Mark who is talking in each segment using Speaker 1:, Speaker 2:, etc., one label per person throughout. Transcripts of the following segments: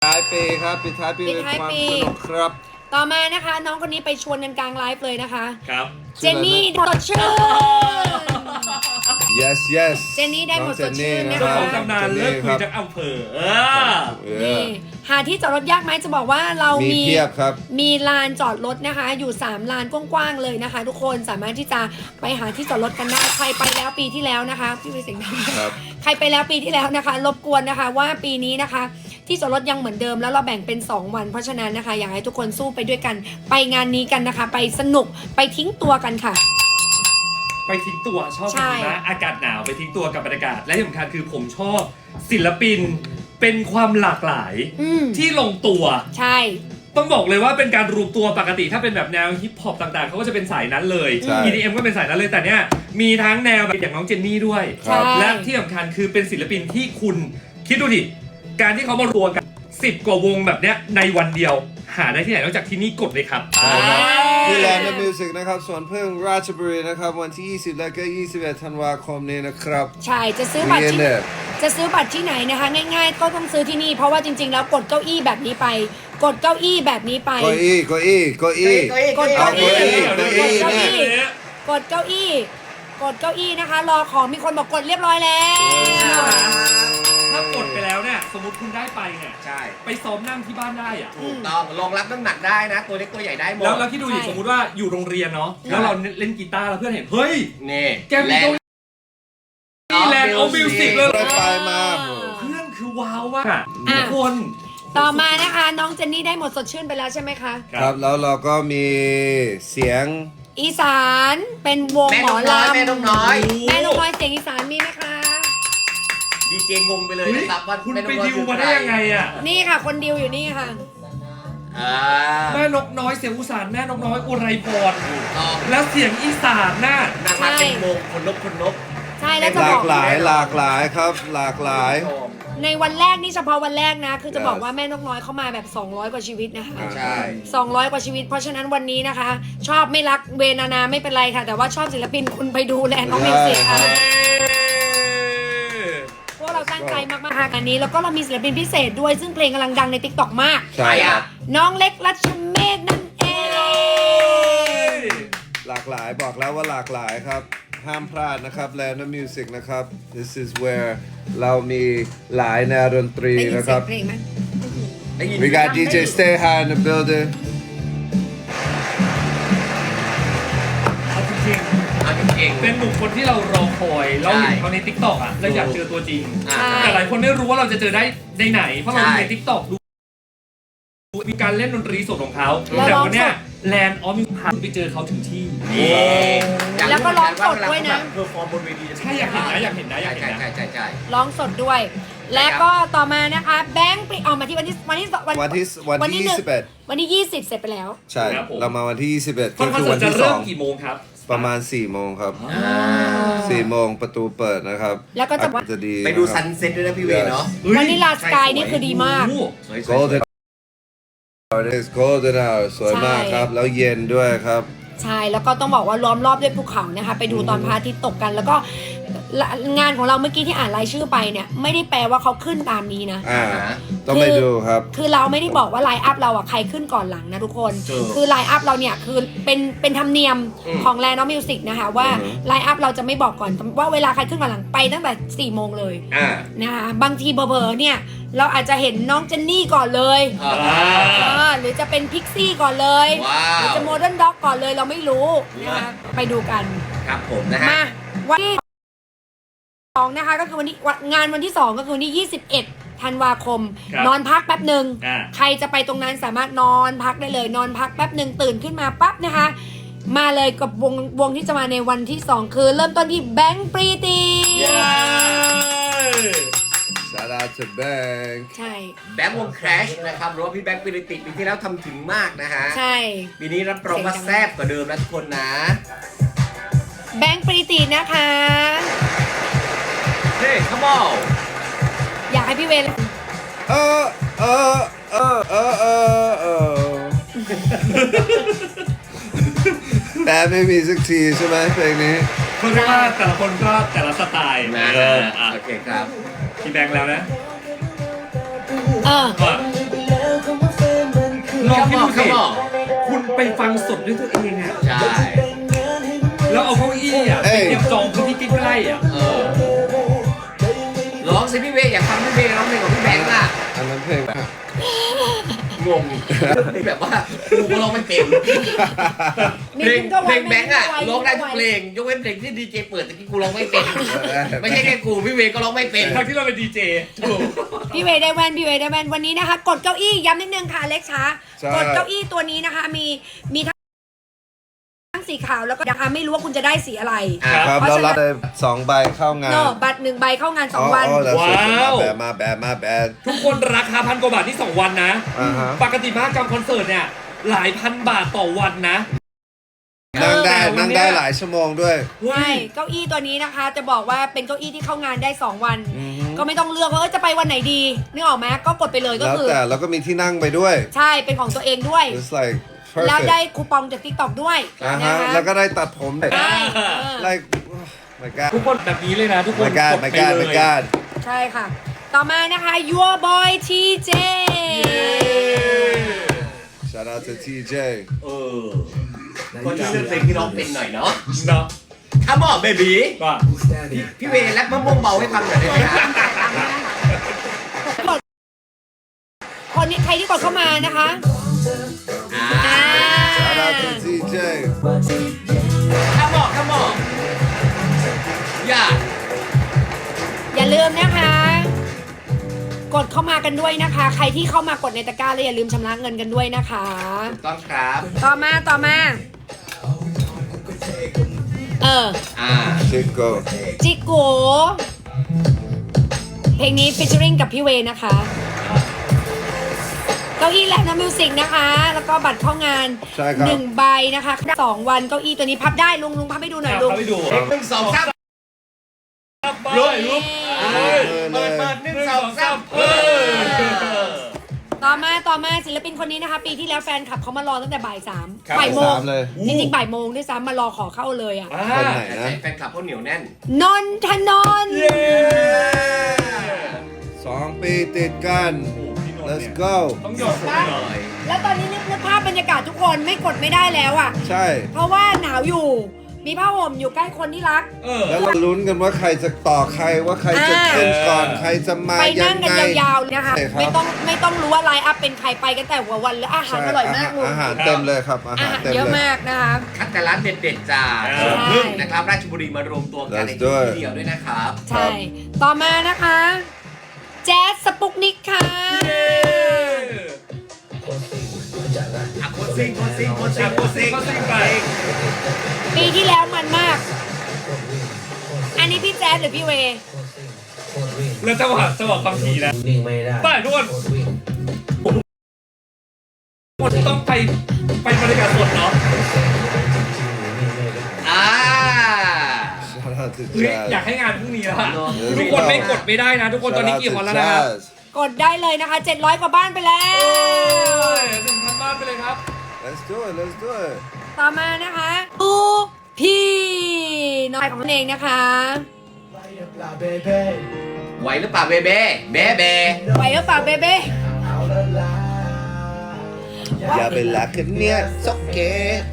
Speaker 1: ท้ายปีครับปิดท้ายปีด้วยความสนุกครับ
Speaker 2: ต่อมานะคะน้องคนนี้ไปชวนกันกลางไลฟ์เลยนะคะ
Speaker 3: ครับ
Speaker 2: เจนนี่สดชื่น
Speaker 1: yes yes
Speaker 2: เจนนี่ได้หมดสดชื่นนะ
Speaker 3: เจ้า
Speaker 2: คะ
Speaker 3: ของตำนานเลิกคุยจากอำเภอ
Speaker 2: นี่หาที่จอดรถยากไหมจะบอกว่าเรามี
Speaker 1: เทียบครับ
Speaker 2: มีลานจอดรถนะคะอยู่3ลานกว้างๆเลยนะคะ ทุกคนสามารถที่จะไปหาที่จอดรถกันได้ใครไปแล้วปีที่แล้วนะคะพี่วิเศษ
Speaker 1: ครับ
Speaker 2: ใครไปแล้วปีที่แล้วนะคะรบกวนนะคะว่าปีนี้นะคะที่จอดรถยังเหมือนเดิมแล้วเราแบ่งเป็น2วันเพราะฉะนั้นนะคะอยากให้ทุกคนสู้ไปด้วยกันไปงานนี้กันนะคะ ไปสนุกไปทิ้งตัวกันค่ะ
Speaker 3: ไปทิ้งตัวชอบ
Speaker 2: ใช่
Speaker 3: นะอากาศหนาวไปทิ้งตัวกับบรรยากาศและที่สำคัญคือผมชอบศิลปินเป็นความหลากหลายที่ลงตัว
Speaker 2: ใช่
Speaker 3: ต้องบอกเลยว่าเป็นการรวมตัวปกติถ้าเป็นแบบแนวฮิปฮอปต่างๆเขาก็จะเป็นสายนั้นเลย
Speaker 1: ใช่
Speaker 3: EDM ก็เป็นสายนั้นเลยแต่เนี้ยมีทั้งแนวแบบอย่างน้องเจนนี่ด้วย
Speaker 1: ครับ
Speaker 3: และที่สำคัญคือเป็นศิลปินที่คุณคิดดูดิการที่เขามารวมกัน10 กว่าวงแบบเนี้ยในวันเดียวหาได้ที่ไหนนอกจากที่นี่กดเลยครับ
Speaker 1: ที่แลนด์มิวสิกนะครับสวนพึ่งราชบุรีนะครับวันที่ 20 และก็ 21 ธันวาคมนี้นะครับ
Speaker 2: ใช่จะซื้อบัตรที่
Speaker 1: เนี่ย
Speaker 2: จะซื้อบัตรที่ไหนนะคะ ง่ายๆก็ต้องซื้อที่นี่เพราะว่าจริงๆแล้วกดเก้าอี้แบบนี้ไป กดเก้าอี้แบบนี้ไป
Speaker 1: เก้าอี้เก้าอี้เก้าอี้
Speaker 2: กดเก้าอี้
Speaker 1: เก้าอี้เก้าอี้เนี่ย
Speaker 2: กดเก้าอี้กดเก้าอี้นะคะ รอของมีคนบอกกดเรียบร้อยแล้ว
Speaker 3: ถ้ากดไปแล้วเนี่ยสมมติคุณได้ไปเนี่ย
Speaker 4: ใช่
Speaker 3: ไปซ้อมนั่งที่บ้านได้อะ
Speaker 4: ถูกต้องรองรับน้ำหนักได้นะ ตัวเล็กตัวใหญ่ได้หมด
Speaker 3: แล้วคิดดูดิสมมติว่าอยู่โรงเรียนเนาะแล้วเราเล่นกีตาร์แล้วเพื่อนเห็นเฮ้ย
Speaker 4: นี่
Speaker 3: แกมีตรงนี้แลนด์เอามิวสิกเลย
Speaker 1: ไปมา
Speaker 3: เพื่อนคือว้าวมากทุกคน
Speaker 2: ต่อมานะคะน้องเจนนี่ได้หมดสดชื่นไปแล้วใช่ไหมคะ
Speaker 1: ครับแล้วเราก็มีเสียง
Speaker 2: อีสานเป็นวง
Speaker 4: แม่
Speaker 2: หม
Speaker 4: น
Speaker 2: อก
Speaker 4: น้อย
Speaker 2: ลำ
Speaker 4: แม่นกน้อย
Speaker 2: แม่นกน้อยเสียงอีสานมีไหมคะ
Speaker 4: ดีเจงงไปเลยนะครับว่า
Speaker 3: คุณ
Speaker 4: แม่น
Speaker 3: ไป
Speaker 4: กน้อย
Speaker 3: ดิวมาได้ยังไงอ่ะ
Speaker 2: นี่ค่ะคนดิวอยู่นี่ค่ะ
Speaker 4: อ่า
Speaker 3: แม่นกน้อยเสียงอุสานแม่นกน้อยอุไรพร
Speaker 4: ต่อ
Speaker 3: แล้วเสียงอีสานน่ะ
Speaker 4: นางมาเป็นวงคนนก
Speaker 2: ใช่แล้วจะ
Speaker 1: ห
Speaker 2: บ
Speaker 1: ลา
Speaker 2: อก
Speaker 1: กหลายหลากหลายครับหลากหลาย
Speaker 2: ในวันแรกนี่เฉพาะวันแรกนะ คือจะ
Speaker 1: Yes
Speaker 2: บอกว่าแม่นกน้อยเข้ามาแบบ 200 กว่าชีวิตนะคะ
Speaker 1: อ่า
Speaker 4: ใช่
Speaker 2: 200 กว่าชีวิต เพราะฉะนั้นวันนี้นะคะ ชอบไม่รักเวนานาไม่เป็นไรค่ะ แต่ว่าชอบศิลปินคุณไปดูแลน้องมิวสิกค่ะพวกเราตั้งใจมากๆค่ะอันนี้แล้วก็เรามีศิลปินพิเศษด้วยซึ่งเพลงกำลังดังใน TikTok มาก
Speaker 1: ใช่ครับ
Speaker 2: น้องเล็กรัชเมฆนั่นเอง
Speaker 1: หลากหลายบอกแล้วว่าหลากหลายครับห้ามพลาดนะครับ Land of Music นะครับ This is where เรามีหลายแนวดนตรี
Speaker 2: ได้ยิน
Speaker 1: นะค
Speaker 2: เสีย
Speaker 1: รั
Speaker 2: ง
Speaker 1: บ
Speaker 2: เพลงไหม
Speaker 4: ได้ยิน
Speaker 1: We got DJ Stay High in the building
Speaker 3: เอาจริง
Speaker 4: เอาจริง
Speaker 3: ๆเป็นหนุ่มคนที่เรารอคอยเราเห็นเขาใน TikTok อ่ะเราอยากเจอตัวจริง
Speaker 4: ๆอ่า
Speaker 3: แต่หลายคนไม่รู้ว่าเราจะเจอได้ในไหน เพราะเรา
Speaker 4: ใช่
Speaker 3: ใน TikTok ดูมีการเล่นดนตรีสดของเขา
Speaker 2: แล้ว
Speaker 3: แต่
Speaker 2: ร้อง
Speaker 3: วันเนี้ย
Speaker 2: สด
Speaker 3: แลนด์ออฟมิวพาไปเจอเขาถึงที่
Speaker 4: นี่
Speaker 2: แล้วก็ร้องสดด้วยนะ
Speaker 4: เพอร์ฟอร์มบนเวที
Speaker 3: ใช่อยากเห็นนะอยากเห็นนะอยากเห็นนะ
Speaker 4: ใช่
Speaker 2: ร้องสดด้วย และก็ต่อมานะคะแบงค์เอามาที่วันที่
Speaker 1: วันที่
Speaker 2: หนึ่ง
Speaker 1: 21
Speaker 2: วันที่ 20 เสร็จไปแล้ว
Speaker 1: ใช่
Speaker 3: ครับผม
Speaker 1: เรามาวันที่ 21
Speaker 3: คอน
Speaker 1: ก็คือ
Speaker 3: เสิ
Speaker 1: วั
Speaker 3: ร์
Speaker 1: น
Speaker 3: ตจะ
Speaker 1: ที่
Speaker 3: เริ่มกี่โมงครับ
Speaker 1: 2 ประมาณ 4 โมงครับ
Speaker 4: อ่า
Speaker 1: 4 โมงประตูเปิดนะครับ
Speaker 2: แล้วก็จะ
Speaker 1: อากาศจะดี
Speaker 4: ไปดู
Speaker 1: นะครับ
Speaker 4: ซันเซ็ตด้วยนะพี่เวเนาะ
Speaker 2: วันนี้ลาสกายนี่คือดีมาก
Speaker 3: โอ้โห
Speaker 4: สวยๆ
Speaker 1: Golden Hour is Golden Hour สวยมากครับ แล้วเย็นด้วยครับ
Speaker 2: ใช่แล้วก็ต้องบอกว่าล้อมรอบด้วยภูเขานะคะ ไปดูตอนพระอาทิตย์ตกกัน แล้วก็งานของเราเมื่อกี้ที่อ่านรายชื่อไปเนี่ยไม่ได้แปลว่าเขาขึ้นตามนี้นะ
Speaker 1: ต้องไปดูครับ
Speaker 2: คือเราไม่ได้บอกว่าไลน์อัพเราอ่ะใครขึ้นก่อนหลังนะทุกคน คือไลน์อัพเราเนี่ยคือเป็นธรรมเนียมของแลนด์มิวสิกนะคะว่า
Speaker 1: อือฮึ
Speaker 2: ไลน์อัพเราจะไม่บอกก่อนว่าเวลาใครขึ้นก่อนหลังไปตั้งแต่4 โมงเลย
Speaker 4: อ่า
Speaker 2: นะคะบางทีเบอร์เนี่ยเราอาจจะเห็นน้องเจนนี่ก่อนเลย หรือจะเป็นพิกซี่ก่อนเลย
Speaker 4: ว้าว
Speaker 2: หรือจะโมเดิร์นด็อกก่อนเลยเราไม่รู้นะคะไปดูกัน
Speaker 4: ครับผมนะฮะ
Speaker 2: มาวันที่2นะคะก็คือวันนี้งานวันที่2ก็คือวันที่21 ธันวาคม
Speaker 3: ครับ
Speaker 2: นอนพักแป๊บหนึ่ง
Speaker 3: อ่า
Speaker 2: ใครจะไปตรงนั้นสามารถนอนพักได้เลยนอนพักแป๊บหนึ่งตื่นขึ้นมาปั๊บนะคะ มาเลยกับวงที่จะมาในวันที่ 2 คือเริ่มต้นที่แบงค์ปรีตี
Speaker 1: Shout out to Bank
Speaker 2: ใช่
Speaker 4: แบงค์วงแครชนะครับหรือว่าพี่แบงค์ปิริติปีที่แล้วทำถึงมากนะฮะ
Speaker 2: ใช่
Speaker 4: ปีนี้รับรองว่าแซ่บกว่าเดิมนะทุกคนนะ
Speaker 2: แบงค์ปรีตีนะคะ
Speaker 4: เฮ้ย come on
Speaker 2: อยากให้พี่เวร
Speaker 1: เออเออเออเออเออเออแต่ไม่มีสักทีใช่ไหมเพลงนี้
Speaker 3: เพราะว่าแต่ละคนก็แต่ละสไตล์
Speaker 4: นะ
Speaker 3: อ่ะ
Speaker 4: โอเคครับ
Speaker 3: พี่แบงค์แล้วนะ
Speaker 2: เออ
Speaker 3: ว่าลองคิดดูสิ
Speaker 4: Come on
Speaker 3: คุณไปฟังสดด้วยตัวเองอะ
Speaker 4: ใช่
Speaker 3: แล้วเอาเก้าอี้อะไปเตรียมจองพื้นที่ใกล้ๆอะ
Speaker 4: ร้องสิพี่เวย์อยากฟังพี่เวย์ร้องเพลงของพี่แบงค์อ่ะ
Speaker 1: อันนั้นเพลง
Speaker 4: งงแบบว่ากูก็ร้องไม่เป็น
Speaker 2: มี
Speaker 4: เพลง
Speaker 2: ทิ้งก็ไว้
Speaker 4: เพลงแบงค์อ่ะ
Speaker 2: ม่
Speaker 4: ร้องได้ทุกเพลงยกเว้นเพลงที่ดีเจเปิดแต่ที่กูร้องไม่เป็น ไม่ใช่แค่กูพี่เวย์ก็ร้องไม่เป็น
Speaker 3: ทั้งที่เราเป็นดีเจถูก
Speaker 2: พี่เวย์ได้แว่นพี่เวย์ได้แว่นวันนี้นะคะ กดเก้าอี้ย้ำนิดนึงค่ะเล็กช้า
Speaker 1: ใช่
Speaker 2: กดเก้าอี้ตัวนี้นะคะ มีทั้งสีขาวแล้วก็นะคะไม่รู้ว่าคุณจะได้สีอะไร
Speaker 1: ครับ
Speaker 2: เพราะ
Speaker 1: เรา
Speaker 2: ฉะนั้น
Speaker 1: รับได้2 ใบเข้างาน
Speaker 2: โนบัตร1 ใบเข้างาน 2 วัน
Speaker 1: that's it
Speaker 3: ว้าว
Speaker 1: มาแบด
Speaker 3: ทุกคนราคา1,000 กว่าบาทที่ 2 วันนะ
Speaker 1: อ่าฮะ
Speaker 3: ปกติมหกรรมคอนเสิร์ตเนี่ยหลายพันบาทต่อวันนะ
Speaker 1: นั่งได้
Speaker 3: แต่วันเนี้ย
Speaker 1: นั่งได้หลายชั่วโมงด้วย
Speaker 2: ใช่เก้าอี้ตัวนี้นะคะ จะบอกว่าเป็นเก้าอี้ที่เข้างานได้ 2 วัน
Speaker 1: อือฮึ
Speaker 2: ก็ไม่ต้องเลือกว่าจะไปวันไหนดีนึกออกไหมก็กดไปเลยก็
Speaker 1: แล้ว
Speaker 2: คือ
Speaker 1: แต่แล้วก็มีที่นั่งไปด้วย
Speaker 2: ใช่เป็นของตัวเองด้วย
Speaker 1: it's like
Speaker 2: แล้ว
Speaker 1: perfect
Speaker 2: ได้คูปองจาก TikTok ด้วย
Speaker 1: อ่า
Speaker 2: นะ
Speaker 1: ฮะ
Speaker 2: คะ
Speaker 1: แล้วก็ได้ตัดผม
Speaker 2: ใช่
Speaker 1: like my god
Speaker 3: ทุกคนแบบนี้เลยนะ ทุกคน
Speaker 1: my god
Speaker 3: กด
Speaker 1: my
Speaker 3: ไป
Speaker 1: god
Speaker 3: เล
Speaker 1: my
Speaker 3: ย
Speaker 1: god
Speaker 2: ใช่ค่ะ ต่อมานะคะ Your Boy TJ
Speaker 1: shout out to TJ
Speaker 4: ก็ช่วยเลือกเพลงที่ร้องเป็นหน่อยเนาะ
Speaker 3: เนาะ
Speaker 4: Come on baby
Speaker 3: ว่า
Speaker 4: พี่เวย์แรปมะม่วงเบาให้ฟังหน่อยได้ไหมครับ
Speaker 2: คนนี้ใครที่กดเข้ามานะคะ
Speaker 1: shout out to TJ
Speaker 4: Come on Come on อย่า
Speaker 2: อย่าลืมนะคะ กดเข้ามากันด้วยนะคะ ใครที่เข้ามากดในตะกร้าแล้วอย่าลืมชำระเงินกันด้วยนะคะ
Speaker 4: ถูกต้องครับ
Speaker 2: ต่อมา
Speaker 1: Chico
Speaker 2: จิโกเพลงนี้ฟิชเชอริงกับพี่เวย์นะคะเก้าอี้แลบน้ำมิวสิกนะคะ แล้วก็บัตรเข้างาน
Speaker 1: ใช่ครับ
Speaker 2: 1 ใบนะคะ2 วันเก้าอี้ตัวนี้พับได้ลุงพับให้ดูหน่อยลุง
Speaker 3: เข้าไปดู
Speaker 4: หนึ่งสองสาม
Speaker 3: ลุยลุก
Speaker 4: เปิดหนึ่งสองสาม
Speaker 2: ต่อมาศิลปินคนนี้นะคะ ปีที่แล้วแฟนคลับเขามารอตั้งแต่บ่าย 3
Speaker 3: ครับ
Speaker 2: บ่ายโมง
Speaker 1: 3เลย
Speaker 2: จริงๆบ่ายโมงด้วยซ้ำมารอขอเข้าเลยอ่ะ
Speaker 1: คนไหนนะ
Speaker 4: แฟนคลับเขาเหนียวแน่น
Speaker 2: นนทนนท์
Speaker 3: เย้
Speaker 1: 2 ปีติดกัน
Speaker 3: โอ้โหพี่นนท์
Speaker 1: let's
Speaker 3: เนี่ย
Speaker 1: go
Speaker 3: ต้องหยอดผมหน่อย
Speaker 2: แล้วตอนนี้นึกภาพบรรยากาศทุกคนไม่กดไม่ได้แล้วอ่ะ
Speaker 1: ใช่
Speaker 2: เพราะว่าหนาวอยู่ มีผ้าห่มอยู่ใกล้คนที่รัก
Speaker 1: แล้วเราลุ้นกันว่าใครจะต่อใครว่าใครจะขึ้นก่อนใครจะมา
Speaker 2: ไป
Speaker 1: ยั
Speaker 2: นั่ง
Speaker 1: ง
Speaker 2: กัน
Speaker 1: ไง
Speaker 2: ยาวๆนะคะ
Speaker 1: ใช่ครับ
Speaker 2: ไม่ต้องรู้ว่าไลน์อัพเป็นใครไปกันแต่หัววันแล้วอาหารอร่อยมากลุง
Speaker 1: อาหารเต็มเลยครับ อา
Speaker 2: อา
Speaker 1: หาร
Speaker 2: หาร
Speaker 1: เต็ม
Speaker 2: เยอะ
Speaker 1: เลย
Speaker 2: มากนะคะ
Speaker 4: คัดแต่ร้านเด็ดๆจาก
Speaker 3: ใช่
Speaker 4: พึ่งนะครับราชบุรีมารวมตัวกันใน
Speaker 1: Let's
Speaker 4: ที่
Speaker 1: do it
Speaker 4: เดียวด้วยนะครับ
Speaker 2: ใช่ ต่อมานะคะ แจ๊สสปุกนิกค่ะ
Speaker 4: อ่ะโคตรซิงโคตรซิงโคตรซิงโคตรซิง
Speaker 3: ก็ซิ่งไป
Speaker 2: ปีที่แล้วมันมาก อันนี้พี่แจ๊สหรือพี่เวย์
Speaker 3: แล้วจังหวะความถี่นะ
Speaker 5: วิ่งไม่ได้
Speaker 3: ไปทุกคน
Speaker 5: วิ่ง
Speaker 3: ต้องไปบรรยากาศสดเนาะ
Speaker 4: อ่า
Speaker 1: Shout out to
Speaker 3: เฮ้ย
Speaker 1: Jazz
Speaker 3: อยากให้งานพรุ่งนี้แล้วอะ
Speaker 4: เนอะ
Speaker 3: ทุกคนไม่กดไม่ได้นะ ทุกคนตอนนี้
Speaker 1: Shout out
Speaker 3: กี่
Speaker 1: to
Speaker 3: คนแล้วนะครับ
Speaker 1: Jazz
Speaker 2: กดได้เลยนะคะ 700 กว่าบ้านไปแล้ว
Speaker 3: 1,000 บ้านไปเลยครับ
Speaker 1: let's do it let's do it
Speaker 2: ต่อมานะคะอูพี่น้อยของตนเองนะคะ
Speaker 4: ไหวหรือเปล่าเบเบ้เบ้เบ้
Speaker 2: ไหวหรือเปล่าเบเบ้
Speaker 1: อย่าไปรักกันเนี่ยสกเก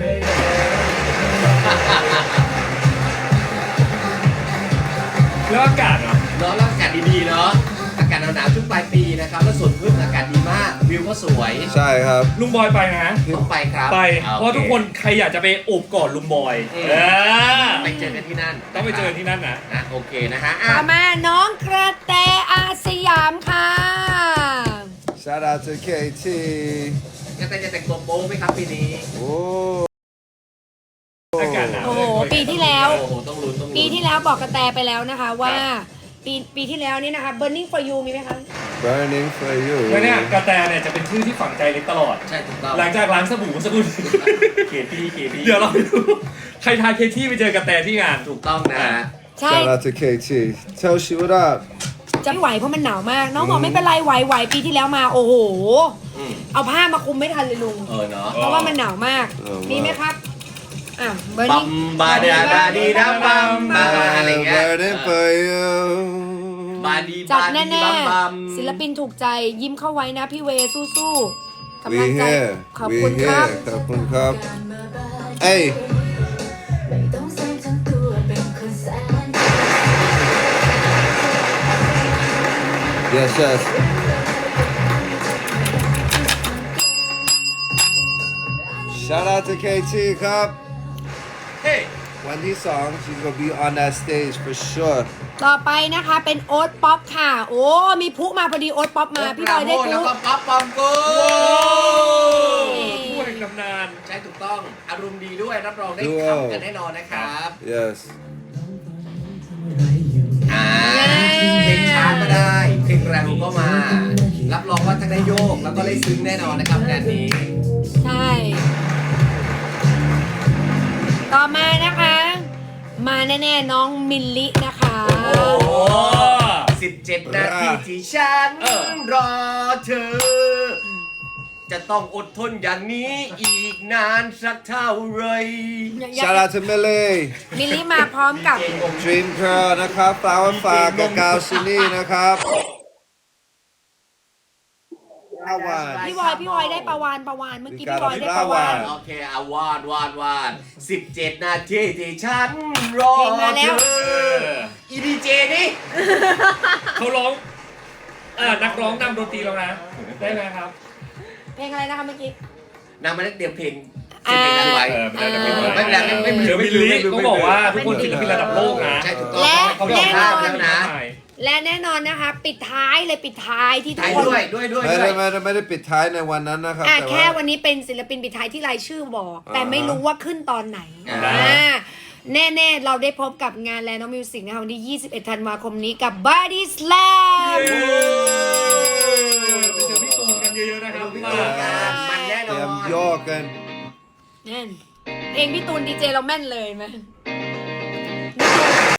Speaker 3: แล้วอากาศเนาะ
Speaker 4: เนาะแล้วอากาศดีๆเนาะอากาศหนาวๆช่วงปลายปีนะครับแล้วสวนพึ่งอากาศดีมากวิวก็สวย
Speaker 1: ใช่ครับ
Speaker 3: ลุงบอยไปนะ
Speaker 4: ต้องไปครับ
Speaker 3: ไป
Speaker 4: อ่
Speaker 3: เพราะทุกคนใครอยากจะไปโอบกอดลุงบอย
Speaker 4: อืม ไปเจอกันที่นั่น
Speaker 3: ต้องไปเจอที่นั่นนะ
Speaker 4: นะโอเคนะฮะอ่ะ
Speaker 2: ต่อมาน้องกระแตอาสยามค่ะ
Speaker 1: shout out to KT
Speaker 4: จะแต่งตัวโป๊ไหมครับปีนี้
Speaker 1: โอ้
Speaker 3: อากาศหนาว
Speaker 2: โอ้โหปีที่แล้ว
Speaker 4: โอ้โหต้องลุ้นต้องลุ้น
Speaker 2: ปีที่แล้วบอกกระแตไปแล้วนะคะว่า ปีที่แล้วนี่นะคะ Burning for You มีไหมคะ
Speaker 1: burning for you
Speaker 3: แล้วเนี่ยกระแตเนี่ยจะเป็นชื่อที่ฝังใจเล็กตลอด
Speaker 4: ใช่ถูกต้อง
Speaker 3: หลังจากล้างสบู่สกุล
Speaker 4: เคที่
Speaker 3: เดี๋ยวเราไปดูใครทายเคที่ไปเจอกระแตที่งาน
Speaker 4: ถูกต้องนะฮะ
Speaker 2: ใช่
Speaker 1: shout out to KT tell she what up
Speaker 2: จะไม่ไหวเพราะมันหนาวมาก น้องบอกไม่เป็นไรไหวปีที่แล้วมาโอ้โห
Speaker 4: อืม
Speaker 2: เอาผ้ามาคลุมไม่ทันเลยลุง
Speaker 4: เนาะ
Speaker 2: เพราะว่ามันหนาวมาก มีไหมครับ อ่ะ
Speaker 4: บั
Speaker 2: Burning
Speaker 4: มบาดาดาดีดาบัมบาอะไรเงี้ย
Speaker 1: burning for you
Speaker 4: บาดี
Speaker 2: จัด
Speaker 4: บาดี
Speaker 2: แน่
Speaker 4: บัมบัม
Speaker 2: ๆศิลปินถูกใจยิ้มเข้าไว้นะพี่เวสู้กำลังใจ
Speaker 1: here
Speaker 2: ขอบ
Speaker 1: we
Speaker 2: คุณครับ
Speaker 1: here ขอบคุณครับเอ้ย yes yes shout out to KT ครับ
Speaker 4: เฮ้ย
Speaker 1: วันที่2 she's gonna be on that stage for sure
Speaker 2: ต่อไปนะคะเป็นโอ๊ตป๊อปค่ะ โอ้มีพุมาพอดีโอ๊ตป๊อปมาพี่บอยได้
Speaker 4: แล้ว
Speaker 2: พุ
Speaker 4: ก็ป๊อปปอมกู
Speaker 3: ผู้แห่งตำนาน
Speaker 4: ใช่ถูกต้องอารมณ์ดีด้วยรับรองได้
Speaker 1: Duo
Speaker 4: ขำกันแน่นอนนะครับ
Speaker 1: yes
Speaker 4: เพลงช้าก็ได้เพลงแรงก็มา รับรองว่าทั้งได้โยกแล้วก็ได้ซึ้งแน่นอนนะครับงานนี้
Speaker 2: ใช่ ต่อมานะคะ มาแน่ๆน้องมิลลินะคะ
Speaker 3: โอ้
Speaker 4: 17 นาทีที่ฉันรอเธอ จะต้องอดทนอย่างนี้อีกนานสักเท่าไหร
Speaker 1: shout out to Millie
Speaker 2: มิลลิมาพร้อมกับ
Speaker 1: Dream Girl นะครับ Flower ฝากกับกาวซินี่นะครับ
Speaker 2: พี่บอยได้ประวานเมื่อกี้พี่บอยได้ประวาน
Speaker 4: โอเคเอาวาด17 นาทีที่ฉันรอ
Speaker 2: เพลงมาแล้
Speaker 4: เธ
Speaker 2: ว
Speaker 4: ออีดีเจนี่
Speaker 3: เขาร้องนักร้องนำดนตรีแล้วนะ ได้ไหมครับ
Speaker 2: เพลงอะไรนะคะเมื่อกี้
Speaker 4: นางมาได้เตรียมเพลง
Speaker 2: อ่า
Speaker 4: 10 เพลงนั้นไว้
Speaker 3: ไม่ได้
Speaker 4: ไม่เป็นไรไม่เป็นไร
Speaker 3: เดี๋ยวมิลลิต้องบอกว่าทุกคนศิลปินระดับโลกนะ
Speaker 4: ใช่ถูกต้อง
Speaker 2: และ
Speaker 4: เขาบอกภาพแล้วนะ
Speaker 2: และแน่นอนนะคะ ปิดท้ายที่ทุก
Speaker 4: ถ่าย
Speaker 2: คน
Speaker 4: ด้วย
Speaker 1: ไม่ได้ปิดท้ายในวันนั้นนะครับ แต่
Speaker 2: แค่
Speaker 1: ว่า
Speaker 2: วันนี้เป็นศิลปินปิดท้ายที่รายชื่อบอก แต่
Speaker 1: อ่า
Speaker 2: ไม่รู้ว่าขึ้นตอนไหน
Speaker 4: อ่า
Speaker 2: แน่ๆ เราได้พบกับงานแลนด์มิวสิกนะคะวันที่ 21 ธันวาคมนี้กับ Body Slam
Speaker 3: ไปเจอพี่ตูนกันเยอะๆนะครับ
Speaker 4: พี่ตูนกันมันแน่น
Speaker 1: เต
Speaker 4: อ
Speaker 1: รียม
Speaker 4: น
Speaker 1: โยกกัน
Speaker 2: แน่นเพลงพี่ตูนดีเจเราแม่นเลยไหม